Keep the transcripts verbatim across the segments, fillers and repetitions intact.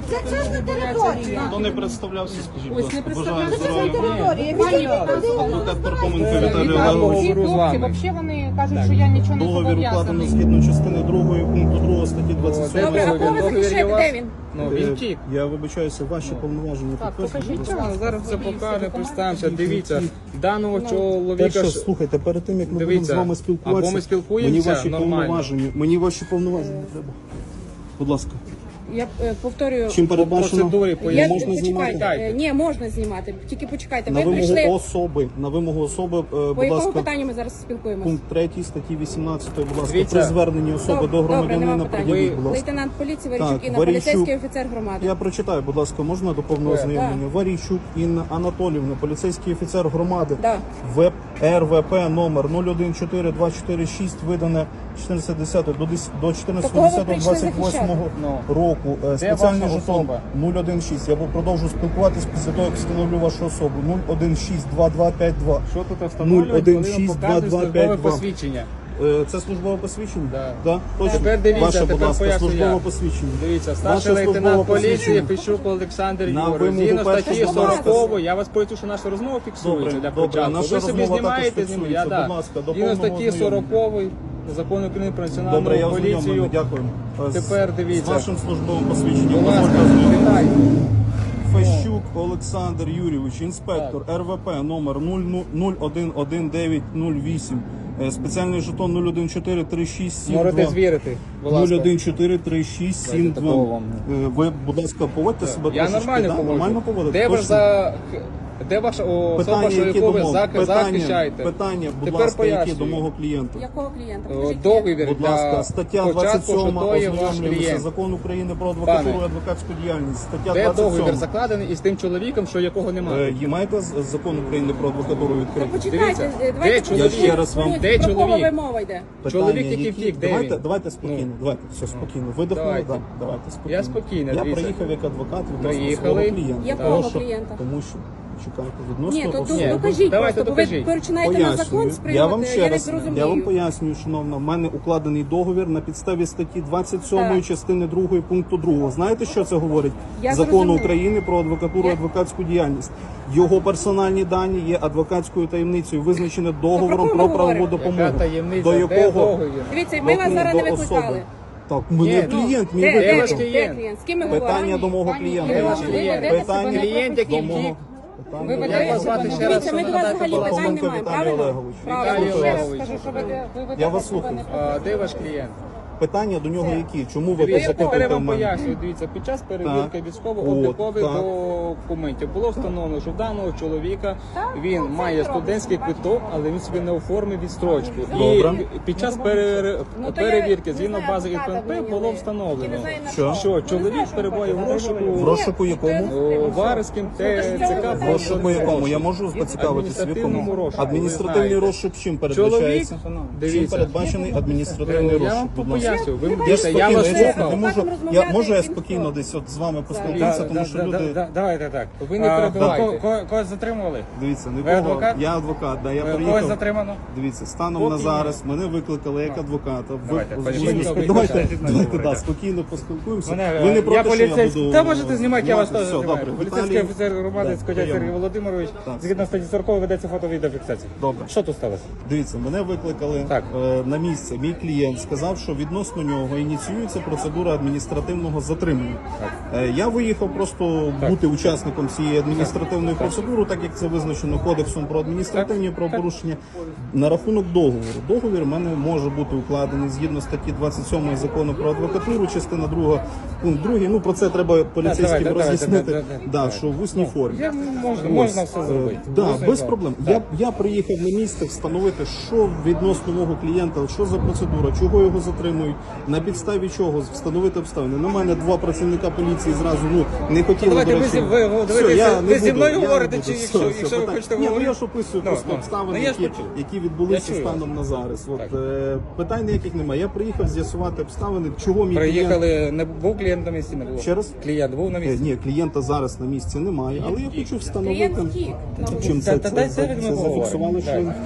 Це частна територія. Хто не представлявся, скажіть, будь Ось не ласка. Бажаю представлявся. здоров'я. Територія. Адвокат Пархоменко Віталій Вітаю, Олегович. ці хлопці, взагалі вони кажуть, що я нічого не Договір укладено зобов'язаний. згідно частини другої пункту другого статті двадцять Де сьомої. ви кого ви захищаєте? Де він? Ну, він втік. Я вибачаюся, ваші повноваження Так, підтверджені. покажіть. Нічого, зараз все покаже, представимося. Дивіться, даного Перше, чоловіка... ж- слухайте, перед тим, як ми будемо Дивіться, з вами спілкуватися, або ми спілкуємося мені ваші нормально. повноваження, мені ваші повноваження треба. Будь ласка. Я е, повторюю. Чим передбачено? процедурі Я, поясню. можна почекайте. знімати? Е, Ні, можна знімати. Тільки почекайте. На Ви вимогу прийшли. особи, на вимогу особи, е, По будь якому ласка, питанню ми зараз спілкуємося? пункт третій статті вісімнадцятої, будь ласка, Дивіться. при зверненні особи Доб- до Добре, громадянина нема питань. пред'явіть, будь ласка. Лейтенант поліції Варійчук Так, Інна, Варійчук. поліцейський офіцер громади. Я прочитаю, будь ласка, можна до повного Так. ознайомлення? Варійчук Інна Анатоліївна, поліцейський офіцер громади. Да. ВЕП РВП номер нуль один чотири два чотири шість, видане чотирнадцяте десяте до дес- до чотирнадцятого Такого ви десятого прийшли двадцять восьмого захищати? року. Е, Спеціальний ваша жетон особа? нуль один шість. Я продовжу спілкуватись після того, як встановлю вашу особу. нуль один шість два два п'ять два. Що тут нуль встановлюють, один коли вам шість два показують два службове п'ять два. посвідчення? Е, Це службове посвідчення? Да. Да? Точно? Тепер дивіться, Ваше, будь тепер ласка, поясню службове я. посвідчення. Дивіться, Ваше старший лейтенант службове поліції посвідчення. Фіщук Олександр На Юрійович. вимогу Згідно статті першого сорокової, я вас поясню, що наша розмова фіксується Добре, для добре, початку. наша Ви собі розмова знімаєте також з ним, я фіксується. да. Будь ласка, до Згідно повного статті ознайомлення. сорокової Закону України про національну Добре, я поліцію. ознайомлений, дякую. Е, з- Тепер дивіться. З вашим службовим посвідченням. Будь ласка, Дозвольте ознайомитися. вітаю. Фещук Олександр Юрійович, інспектор РВП номер нуль один один дев'ять нуль вісім, е, спеціальний жетон нуль один чотири три шість сім Можете два. звірити, будь нуль ласка. один чотири три шість сім Дайте такого два. вам. Е, Ви, будь ласка, поводьте себе Я трошечки, нормально да? поводжу. Нормально поводите? Де ваш Точно? за... Де ваша особа, Питання, що які яку ви до мого, зак- питання, захищаєте? питання, будь Тепер ласка, які пояснюю. до мого клієнта. Якого клієнта? О, Покажіть. Договір Будь для ласка, стаття двадцять початку, що сьома, то є ваш ознайомлюємося, клієнт. Закон України про адвокатуру Пане, і адвокатську діяльність. Стаття Де двадцять договір сьома. закладений із тим чоловіком, що якого Е, немає? Є маєте з- закон України про адвокатуру Та відкритий? почекайте, Дивіться, е, де давайте чоловік? Я ще раз вам- Про Де кого чоловік? ви мова йде? Чоловік, Питання, який втік, де давайте, він? давайте спокійно, Ну. давайте, все спокійно. Видихнули, Давайте. да, давайте спокійно. Я спокійно, Я дивіться. приїхав як адвокат відносно Приїхали. свого клієнта. Якого Тому що- клієнта? Тому що, чекайте, відносно Ні, то особи. Ні, докажіть давайте просто, бо ви докажіть. починаєте на закон Пояснюю. сприймати, Я вам ще я не раз, зрозумію. я вам пояснюю, шановна, в мене укладений договір на підставі статті двадцять сьомої Так. частини другої пункту другого. Знаєте, що це говорить? Я Закону зрозуміла. України про адвокатуру і Я- адвокатську діяльність. Його персональні дані є адвокатською таємницею, визначене договором про про кого правову говоримо? допомогу. Яка таємниця? До Де якого договір? Дивіться, ми вас до- зараз не до викликали. особи. Так, мене Ні, клієнт, мій Де, де, ваш викликав. де клієнт? клієнт? З ким ми Питання говоримо? до мого Пані клієнта. Ірина, Ваш ви клієнт. ведете Питання себе Клієнт, який до мого. втік. Питання Ви до ведете Як вас мого. звати себе- ще раз, Дивіться, ми що до вас надати взагалі питань Пархоменко не маємо, Віталій правильно? Олегович. Правильно. Віталій Ще раз Олегович. скажу, що ви де- ви ведете Я вас себе слухаю. не- А, де ваш клієнт? Питання до нього які? Чому ви Дивіться, тепер я запитуєте в вам мене? пояснюю. Дивіться, під час перевірки Так. військово-облікових От, так. документів було встановлено, що в даного чоловіка Так, він ну, це має робиться, студентський бачите. квиток, але він собі не оформив відстрочку. Добре. І під час пере- Ну, то я перевірки не згідно знаю, бази адвоката ІПНП мені було не- встановлено, не знаю, на Що? що чоловік перебуває в розшуку В розшуку якому? о, Варським ТЦК. В розшуку якому? Я можу поцікавитись, в якому? Адміністративному розшуку, Адміністративний ви знаєте. розшук чим Чоловік, передбачається? Чим дивіться, передбачений адміністративний я розшук? вам Будь ласка. поясню. Ви Я дивіться, я спокійно, вас я слухав. не можу, я, розмовляти, можу я як спокійно ніхто. десь от з вами Да, поспілкуватися, тому що да, люди... да, Давайте так. Ви не А, перебивайте. ко- ко- Когось затримували? Дивіться, Ви нікого. адвокат? Я адвокат, да, я Когось приїхав. затримано? Дивіться, станом Поки на ні. зараз мене викликали як адвоката. Ви- Давайте, ви- пані ви- Поліція, ви- ви Давайте, хочете давайте, говорити? да, спокійно поспілкуємося. Мене, Ви не я проти, що я поліцейський. буду... Та можете знімати, я вас знімати? теж Все, знімаю. добре. Поліцейський Віталій- офіцер громади Да, Скотя приємно. Сергій Володимирович. Так. Згідно статті сорокової ведеться фото-відеофіксація. Добре. Що тут сталося? Дивіться, мене викликали Так. е, на місце. Мій клієнт сказав, що відносно нього ініціюється процедура адміністративного затримання. Е, я виїхав просто бути учасником цієї адміністративної процедури, так як це визначено Кодексом про адміністративні правопорушення. На рахунок договору. Договір в мене може бути укладений згідно статті двадцять сьомої закону про адвокатуру, частина друга, пункт другий. Ну про це треба поліцейським давайте, давайте, роз'яснити. да, да, Да, да. що в усній формі. Я, можна, Ось, можна все е, зробити. Да, Можна без і проблем. так. Я, я приїхав на місце встановити, що відносно мого клієнта, що за процедура, чого його затримують, на підставі чого встановити обставини. На мене два працівника поліції зразу ну не хотіли. Давайте до ви речі. зі- ви- ви- Все, ви я зі- не ви зі буду, мною я не говорите, буду. чи Все, якщо- все, якщо ви питань. хочете Ні, ну говорити? я ж описую Ну, просто ну. обставини, Ну, я ж які, почув. які відбулися Я чую станом на зараз. От Так. е, питань ніяких немає. Я приїхав з'ясувати обставини, чого мій клієнт. Приїхали, не був клієнт на місці, не було. Ще раз? Клієнт був на Е, місці. Ні, клієнта зараз на місці немає, але я хочу встановити. Клієнт втік. Чим Та- це, та це, дайте це, від це мене зафіксували, що він...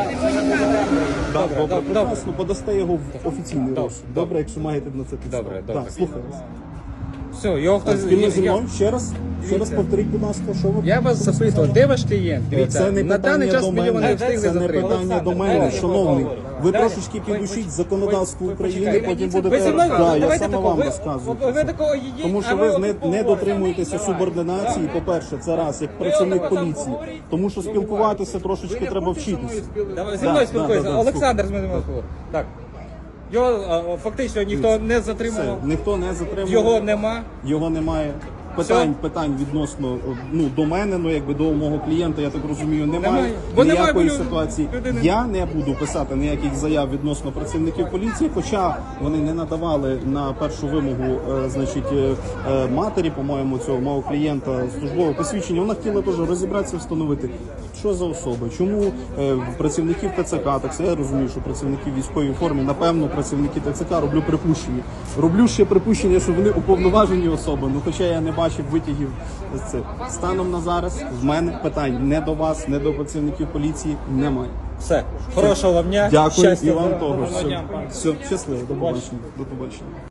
Так, добре, добре, прекрасно, подасте його в офіційний розшук. Добре, якщо маєте на це підстави. Добре, добре. Так, слухаю вас. Все, його хтось... Спільно зі я- мною ще раз, ще раз повторіть, будь ласка, що ви Я вас запитував, де ваш клієнт? Дивіться, Це не на даний питання час до ми його мене, не встигли це не затримати. питання до мене, шановний. Ви трошечки підучіть законодавство України, потім будете... Ви зі мною, Да, я давайте саме такого, вам ви, розказую. ви, ви такого їдіть, Тому що а ви от не, не поговоримо. дотримуєтеся субординації, по-перше, це раз, як працівник поліції. Тому що спілкуватися трошечки треба вчитися. Давай, зі Да, мною да, спілкуйся. да, да, Олександр з мене спілкується. Так. Його а, фактично ніхто не Все, затримував, ніхто не затримав. його нема. Його немає. Питань, питань відносно ну, до мене, ну якби до мого клієнта, я так розумію, немає, Немає. Бо немає, ніякої бо лю- ситуації. людини- Я не буду писати ніяких заяв відносно працівників поліції, хоча вони не надавали на першу вимогу, е, значить, е, е, матері, по-моєму, цього мого клієнта службове посвідчення. Вона хотіла теж розібратися, встановити, що за особи, чому е, працівників ТЦК, так це я розумію, що працівники в військовій формі, напевно, працівники ТЦК, роблю припущення. Роблю ще припущення, що вони уповноважені особи, ну хоча я не бачив витягів з цих. Станом на зараз в мене питань не до вас, не до працівників поліції немає. Все. Хорошого вам дня. Дякую Щастя, і вам здоров'я. того. Гарного Все, дня. все щасливо, до побачення. До побачення.